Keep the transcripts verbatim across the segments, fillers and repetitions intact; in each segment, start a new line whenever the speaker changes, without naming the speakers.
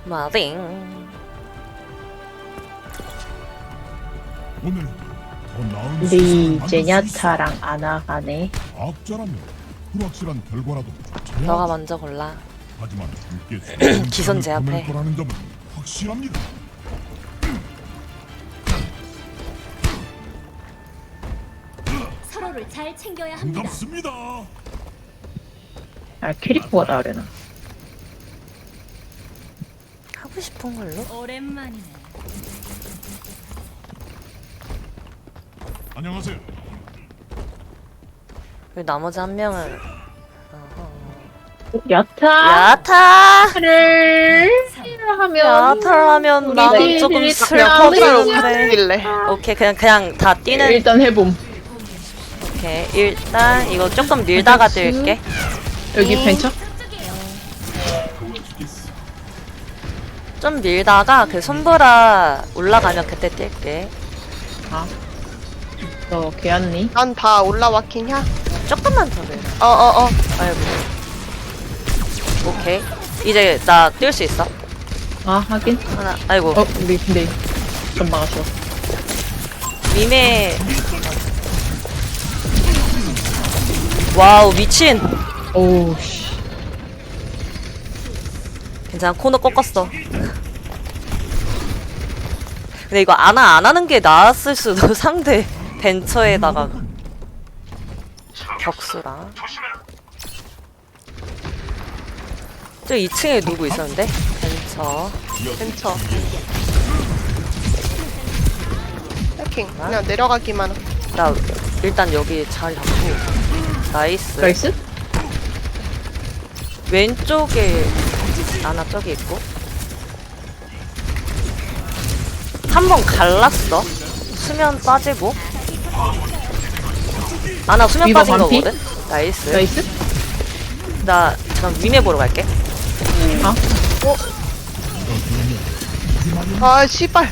마딩.
오늘 더 나은
우리
세상을 만들 수
제냐타랑 아나가네.
있어. 과학자라면 불확실한 결과라도 쫓아야
너가
하지.
먼저 골라.
하지만 함께
기선 제압해.
보낼 거라는 점은 확실합니다.
서로를 잘 챙겨야 합니다.
반갑습니다.
아 캐릭터가 다르나.
하고 싶은 걸로?
오랜만이네.
안녕하세요.
그리고 나머지 한 명은
야타.
야타를
하면
야타라면
우리
나는
딜
조금
딜
슬퍼서
딜
그래.
길래
오케이 그냥 그냥 다 뛰는.
일단 해봄.
오케이 일단 이거 조금 밀다가 뛸게.
여기 벤처?
좀 밀다가 그 손보라 올라가면 그때 뛸게.
아. 너 개안니?
난 다 올라왔긴냐?
조금만 더 밀.
어어어
아이고. 오케이 이제 나 뛸 수 있어.
아 하긴.
하나. 아이고
어 우리 근데 좀 막았어.
미메. 와우 미친.
오우 씨.
괜찮아 코너 꺾었어. 근데 이거 안하 안 하는 게 나았을 수도. 상대 벤처에다가 격수랑. 저 이 층에 누구 있었는데? 벤처.
근처 해킹 그냥 내려가기만 하-
나 일단 여기 자리 잡고. 나이스.
나이스?
왼쪽에 아나 저기 있고. 한 번 갈랐어. 수면 빠지고. 아나 수면
위버
빠진
반피?
거거든. 나이스.
나이스?
나 그럼 위메 보러 갈게.
아?
아 씨발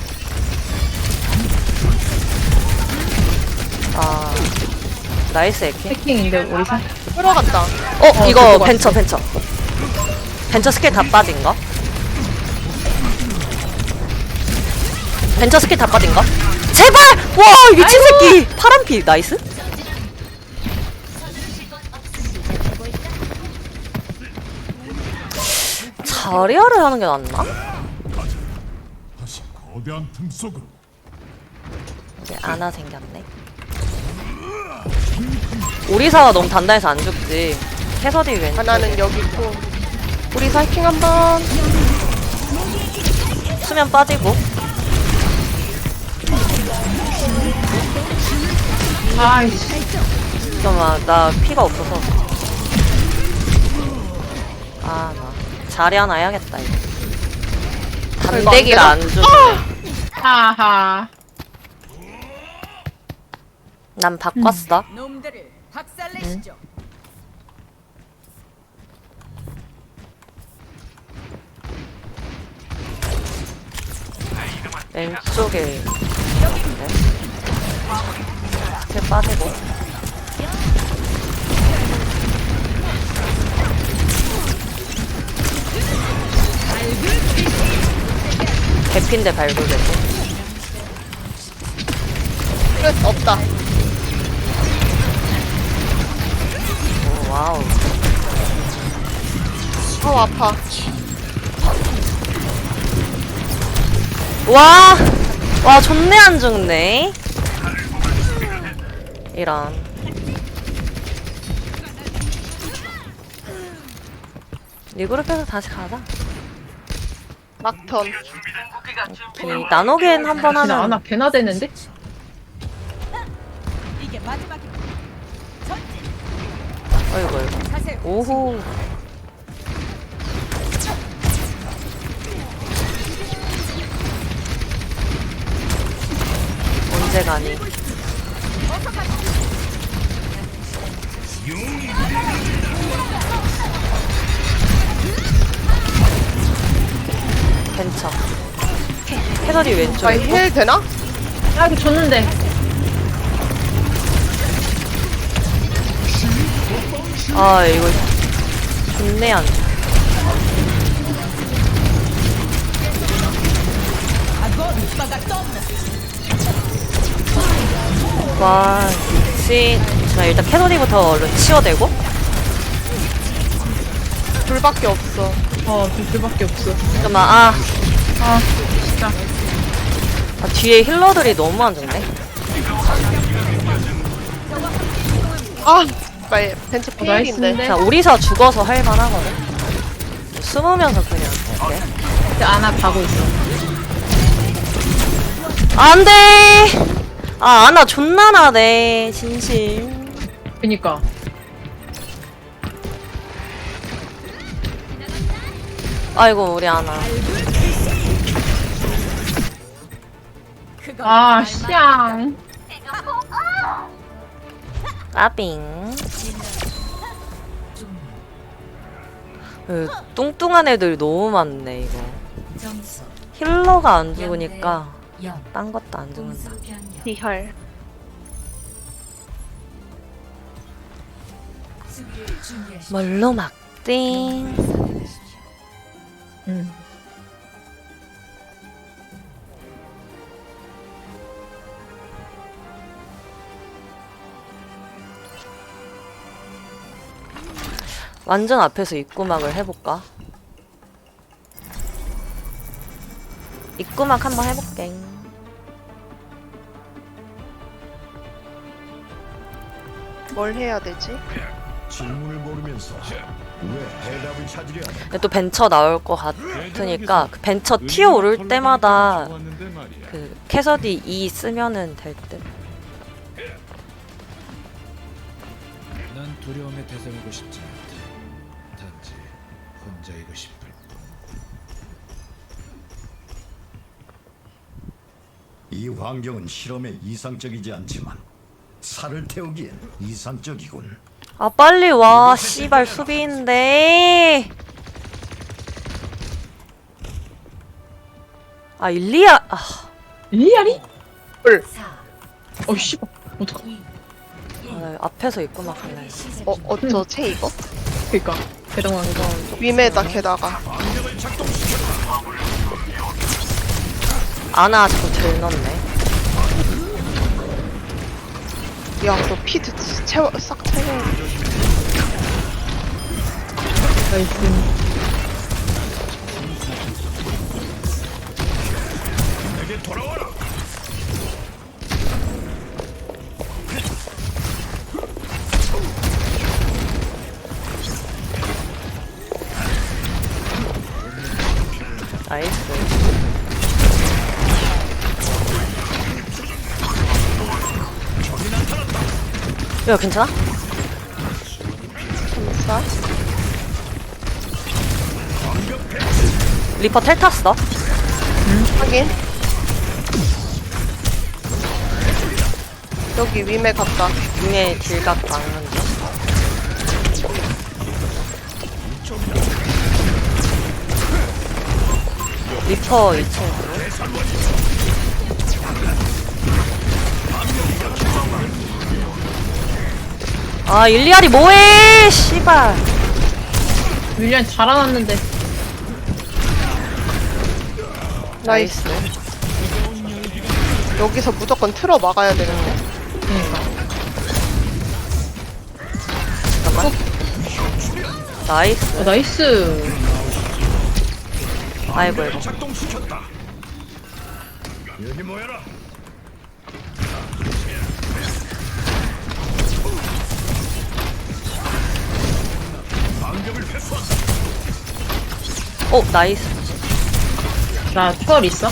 아 나이스 에케.
해킹인데 우리 사.
끌어간다.
어,
어,
이거
그거
벤처 벤처. 벤처 스킬 다 빠진 거. 벤처 스킬 다 빠진 거. 제발! 와 미친 새끼. 파란 피 나이스. 자리아를 하는 게 낫나?
다시 거대한 틈 속으로.
이제 아나 생겼네. 오리사가 너무 단단해서 안 죽지. 캐서디 왼쪽.
하나는 여기 있고 우리 사이킹 한번.
수면 빠지고.
아이씨.
잠깐만 나 피가 없어서. 아 나 자리 하나 해야겠다 이거. 단대기가 안 주네.
하하.
난 바꿨어.
놈들을 박살내시죠.
왼쪽에 있는데. 이렇게 빠지고. 개핀데 발굴되고.
끝 없다.
오, 와우.
어 아파.
와! 와, 존내 안 죽네. 이런. 리그룹에서 다시 가자.
막턴.
이 나노겐 한 번
그냥
하면.
아나 개나 되는데?
이게 마지막입니다.
어이구, 어이구.
가세요.
오호. 언제 가니? 벤처. 캐서디 왼쪽.
아, 힐 되나?
아 이거 줬는데.
아 이거 좋네 안. 와 미친. 자 일단 캐서디부터 얼른 치워대고.
둘밖에 없어.
어, 둘밖에 없어.
잠깐만. 아,
아, 진짜.
아 뒤에 힐러들이 너무 안 좋네.
아, 말 벤츠
어, 나이스인데?
피일인데.
자 오리사 죽어서 할만하거든. 숨으면서 그냥. 이렇게.
이제 아나 가고 있어.
안 돼! 아, 아나 존나 나네, 진심.
그니까.
아이고, 우리 아나.
아, 씨앙.
까빙. 그, 뚱뚱한 애들 너무 많네, 이거. 힐러가 안 죽으니까, 딴 것도 안 죽는다.
리얼.
뭘로 막띵.
응.
완전 앞에서 입구막을 해볼까? 입구막 한번 해볼게.
뭘 해야 되지?
질문을 모르면서 왜 해답을 찾으려 하냐?
근데 또 벤처 나올 것 같으니까 그 벤처 튀어 오를 때마다 그 캐서디 이 쓰면은 될 듯.
난 두려움의 대상이고 싶지 않다. 단지 혼자이고 싶을 뿐.
이 환경은 실험에 이상적이지 않지만 살을 태우기엔 이상적이군.
아 빨리 와 씨발 수비인데. 아 일리아 아
리알이?
헐.
어, 씨발. 어떡하.
아, 앞에서 입구막 할래.
어, 어쩌지, 이거?
그니까. 대동왕 이거.
위메다, 게다가.
아나 자꾸 들 넣네.
야, 너 피 채워, 싹 채워.
나이스.
나이스. 야 괜찮아?
감사.
리퍼 텔 탔어.
확인. 여기 위메 갔다.
위에 딜각 막는 중. 리퍼 이 층으로. 아 일리알이 뭐해 씨발.
윌리안 잘안왔는데.
나이스. 여기서 무조건 틀어 막아야 되는데.
그니까.
잠깐만. 나이스.
어, 나이스.
아이고 이거.
작동시켰다. 여기 모여라. 방벽을 회수한다.
오 나이스.
나 추월 있어?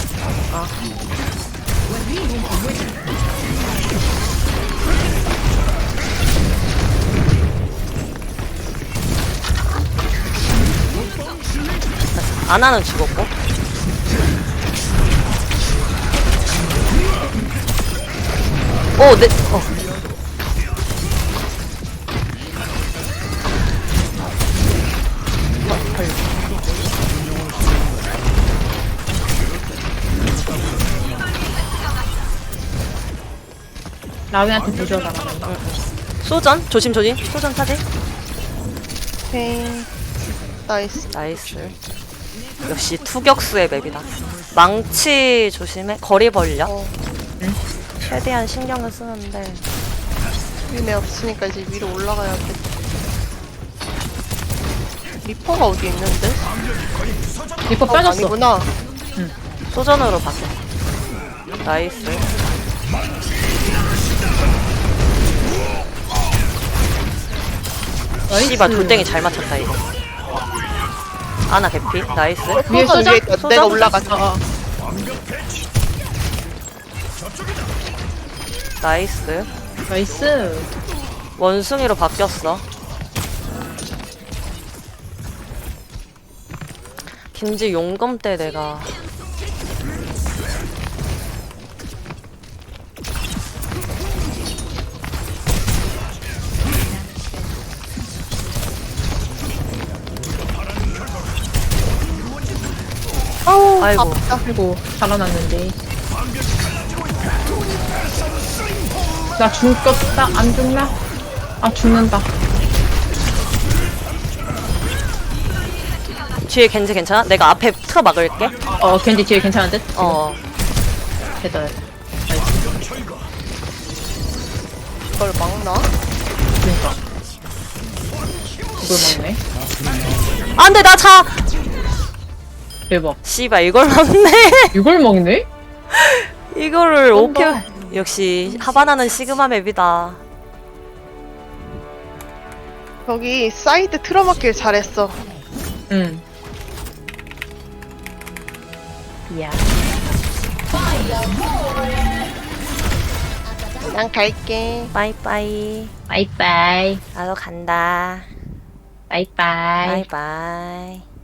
아나는 죽었고. 오, 네, 어.
라위한테 부져라.
소전? 조심, 조심. 소전 타지?
오케이. 나이스.
나이스. 역시 투격수의 맵이다. 망치 조심해. 거리 벌려.
어.
최대한 신경을 쓰는데.
위네 없으니까 이제 위로 올라가야겠다. 리퍼가 어디 있는데?
리퍼
어,
빠졌어.
아니구나.
소전으로 바뀌어. 나이스.
나이스.
씨발 돌덩이 잘 맞췄다 이거. 아나 개피. 나이스.
위에
소전?
위에 있다.
소전?
내가 올라갔어.
어, 어.
나이스.
나이스.
원숭이로 바뀌었어. 김지 용검 때 내가
아우,
아이고.
아프다.
아이고, 살아났는데. 나 죽겠다. 안 죽나? 아, 죽는다.
뒤에 겐지 괜찮아? 내가 앞에 틀어 막을게.
어, 겐지 뒤에 괜찮은 듯?
어.
됐다.
이걸 막나?
그니까. 이걸 먹네.
안돼 나 차.
대박.
씨발 이걸 맞네.
이걸 먹네?
이거를 오케이.
쩐다.
역시 하바나는 시그마 맵이다.
여기 사이드 틀어막길 잘했어.
응. 야.
난 갈게.
빠이빠이.
바이바이.
나도 간다.
바이바이.
바이바이.